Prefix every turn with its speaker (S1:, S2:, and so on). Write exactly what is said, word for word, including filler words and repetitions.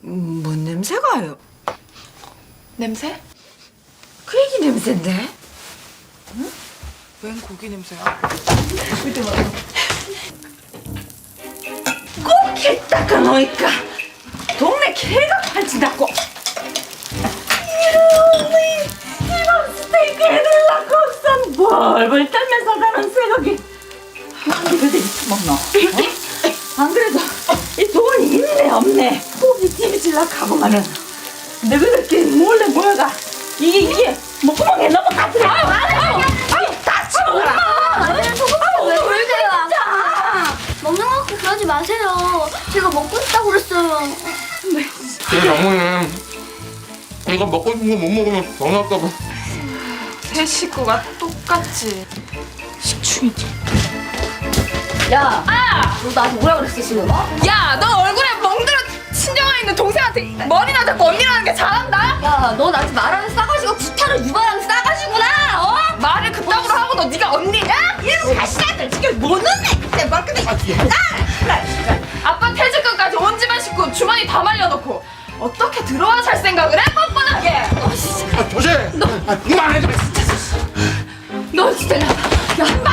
S1: 뭔 냄새가요?
S2: 냄새?
S1: 그 애기 냄새인데?
S2: 응? 웬 고기 냄새야?
S1: 꼭 닦아놓으니까 동네 개가 팔진다고. 이놈의 이번 스테이크 해달라고 없어 벌벌 떨면서 가는 쇠고기 한 개를 되게 먹노? 어? 안 그래도 이 돈이 있네 없네 고기 찜질라 하고만은 내가 이렇게 몰래 모여가 이게 이게 목구멍에 넘어가더래. 아유 아유 아유 같이 먹어라.
S3: 아니, 저거 왜 그러세요? 먹는 거 갖고 그러지 마세요. 제가 먹고 싶다고 그랬어요.
S4: 그래 장모님 이거 먹고 싶은 거 못 먹으면 병날까봐.
S2: 세 식구가 똑같지. 식충이지.
S3: 야, 아! 너 나한테 뭐라 그랬어, 지금? 어?
S2: 야, 너 얼굴에 멍들어 친정에 있는 동생한테 머리나 잡고 언니라는 게 잘한다?
S3: 야, 너 나한테 말하는 싸가지고 구타를 유발하는 싸가지구나, 어?
S2: 말을 그따구로 하고 너 네가 언니냐?
S1: 이런 자식아들 지금 못 넣네. 내 머리끈에
S2: 아빠 퇴직금까지 온 집안 식구 주머니 다 말려놓고 어떻게 들어와 살 생각을 해? 뻔뻔하게.
S4: 아 조심! 아 그만해 좀.
S2: 너 진짜 야, 한 방.